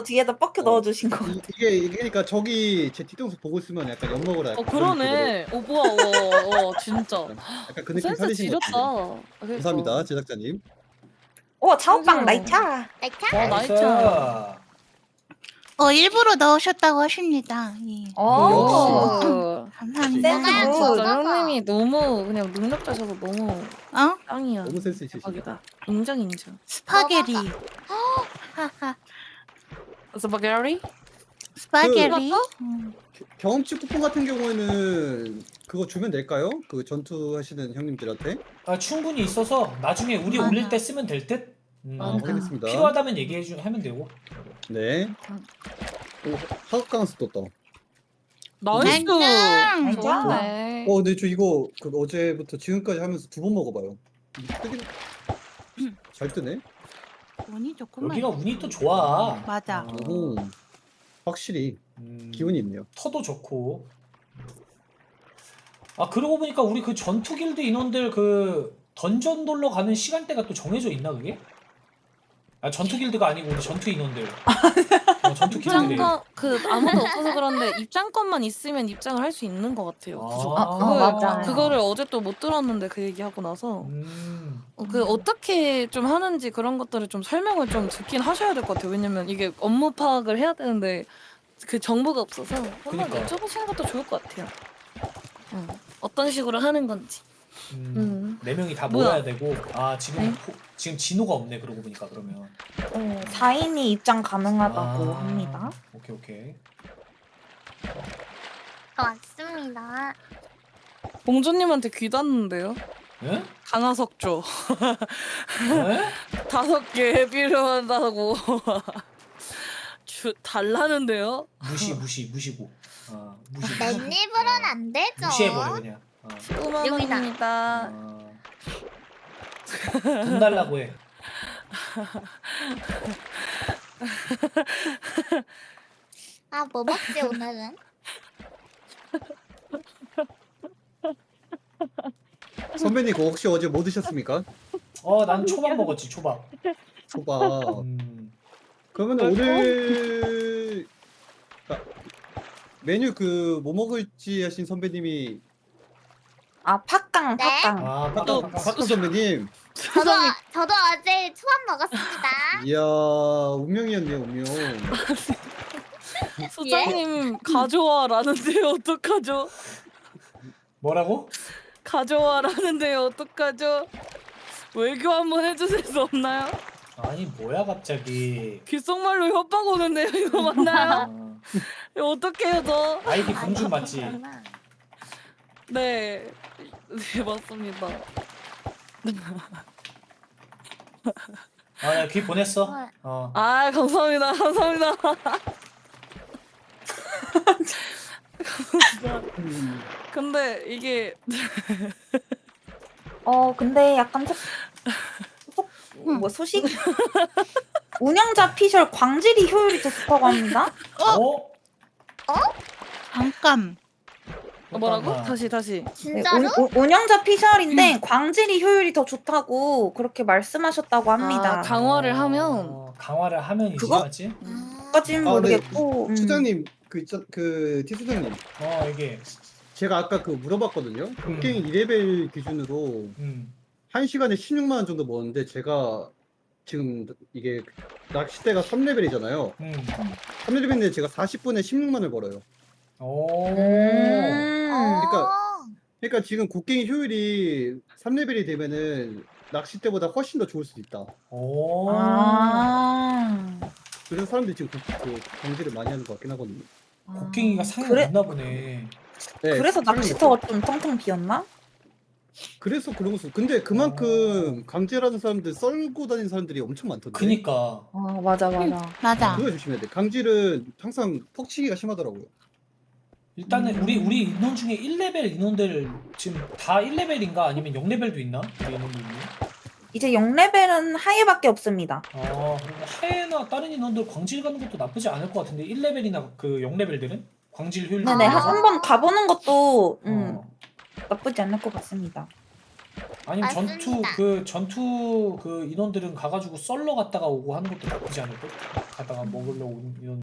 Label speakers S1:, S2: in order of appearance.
S1: 뒤에다 뻑큐 넣어주신 거.
S2: 이게 그러니까 저기 제 뒤통수 보고 있으면 약간 엿 먹으라.
S3: 그러네. 뭐야, 진짜.
S2: 약간 그 느낌
S3: 센스
S2: 살리신 것
S3: 지렸다.
S2: 같은데. 감사합니다 제작자님.
S1: 자오빵
S3: 아이고.
S1: 나이차.
S4: 나이차.
S3: 나이차.
S5: 일부러 넣으셨다고 하십니다. 예. 감사합니다.
S1: 센스 굿.
S3: 진짜 형님이 너무 그냥 능력자셔서 너무 짱이야.
S2: 너무 센스 있으시다.
S3: 대박이다. 인정.
S5: 스파게리.
S3: 스파게리?
S5: 스파게리.
S2: 경험치 쿠폰 같은 경우에는 그거 주면 될까요? 그 전투하시는 형님들한테?
S4: 충분히 있어서 나중에 우리
S5: 맞아.
S4: 올릴 때 쓰면 될 듯.
S2: 확인했습니다.
S4: 필요하다면 하면 되고.
S2: 네. 오, 하극강수 떴다.
S3: 나이스.
S5: 안녕.
S3: 좋네.
S2: 근데 저 이거 그 어제부터 지금까지 하면서 두 번 먹어봐요. 이게 뜨긴 잘 뜨네.
S5: 운이 좋구만.
S4: 여기가 운이 또 좋아.
S5: 맞아.
S2: 오, 확실히 기운이 있네요.
S4: 터도 좋고. 그러고 보니까 우리 그 전투 길드 인원들 그 던전 돌러 가는 시간대가 또 정해져 있나 그게? 전투 길드가 아니고 우리 전투 인원들. 전투 길드들.
S3: 입장권 아무도 없어서 그런데 입장권만 있으면 입장을 할 수 있는 것 같아요.
S1: 맞아요.
S3: 그거를 어제 또 못 들었는데 그 얘기하고 나서 그 어떻게 좀 하는지 그런 것들을 좀 설명을 좀 듣긴 하셔야 될 것 같아요. 왜냐면 이게 업무 파악을 해야 되는데 그 정보가 없어서 한번
S4: 그러니까.
S3: 여쭤보시는 것도 좋을 것 같아요. 어떤 식으로 하는 건지.
S4: 4명이 다
S3: 뭐야?
S4: 모여야 되고. 지금
S3: 네?
S4: 지금 진호가 없네 그러고 보니까 그러면.
S1: 4인이 입장 가능하다고
S4: 아.
S1: 합니다.
S4: 오케이.
S5: 왔습니다.
S3: 봉조님한테 귀 닿는데요?
S4: 응?
S3: 강화석조
S4: 네?
S3: 5개 필요하다고 달라는데요?
S4: 무시고. 무시.
S5: 맨입으로는 안 되죠.
S4: 무시해버려 그냥.
S3: 5만 원입니다.
S4: 돈 달라고 해.
S5: 뭐 먹지 오늘은?
S2: 선배님 그거 혹시 어제 뭐 드셨습니까?
S4: 난 초밥 먹었지 초밥.
S2: 초밥. 그러면 오늘 메뉴 그 뭐 먹을지 하신 선배님이
S1: 팥깡.
S2: 박근 선배님.
S5: 저도 어제 초밥 먹었습니다.
S2: 이야 운명이었네요 운명.
S3: 소장님 가져와라는데요 어떡하죠?
S4: 뭐라고?
S3: 가져와라는데요 어떡하죠? 외교 한번 해주실 수 없나요?
S4: 아니 뭐야 갑자기.
S3: 귓속말로 협박 오는데요 이거 맞나요? 이거 어떡해요 저?
S4: 아이디 공주 맞지?
S3: 네 맞습니다.
S4: 내가 귀 보냈어.
S3: 감사합니다. 근데 이게
S1: 근데 약간 소식? 운영자 피셜 광질이 효율이 더 좋다고 합니다.
S5: 잠깐.
S3: 뭐라고?
S4: 잠깐만.
S3: 다시.
S5: 진짜로?
S1: 운영자 피셜인데 광질이 효율이 더 좋다고 그렇게 말씀하셨다고 합니다.
S3: 강화를 하면
S4: 강화를 하면
S1: 그거?
S4: 이제 맞지?
S1: 까지는 모르겠고.
S2: 수장님 그 티수장님
S4: 이게
S2: 제가 아까 그 물어봤거든요. 곡괭이 2레벨 기준으로 1시간에 16만 원 정도 먹었는데 제가 지금 이게 낚싯대가 3레벨이잖아요. 3레벨인데 제가 40분에 16만 원을 벌어요. 그러니까 지금 곡괭이 효율이 3레벨이 되면은 낚싯대보다 훨씬 더 좋을 수도 있다. 그래서 사람들이 지금 그 광질을 많이 하는 것 같긴 하거든요.
S4: 곡괭이가 상이
S1: 그래?
S4: 없나 보네.
S1: 그래서 낚시터가 좀 텅텅 비었나?
S2: 그래서 그런 거 근데 그만큼 강제라는 사람들 썰고 다니는 사람들이 엄청 많던데.
S4: 그니까.
S1: 맞아.
S2: 그거 조심해야 돼. 강질은 항상 퍽치기가 심하더라고요.
S4: 일단은 우리 인원 중에 1레벨 인원들 지금 다 1레벨인가 아니면 0레벨도 있나? 우리 인원들이.
S1: 이제 0레벨은 하얘밖에 없습니다.
S4: 그럼 하예나 다른 인원들 광질 가는 것도 나쁘지 않을 것 같은데 1레벨이나 그 0레벨들은 광질 효율.
S1: 네네 한번 가보는 것도
S4: 어.
S1: 나쁘지 않을 것 같습니다.
S4: 아니면
S5: 맞습니다.
S4: 전투 그 인원들은 가가지고 썰러 갔다가 오고 하는 것도 나쁘지 않을 듯. 가다가 먹으려고 온 인원.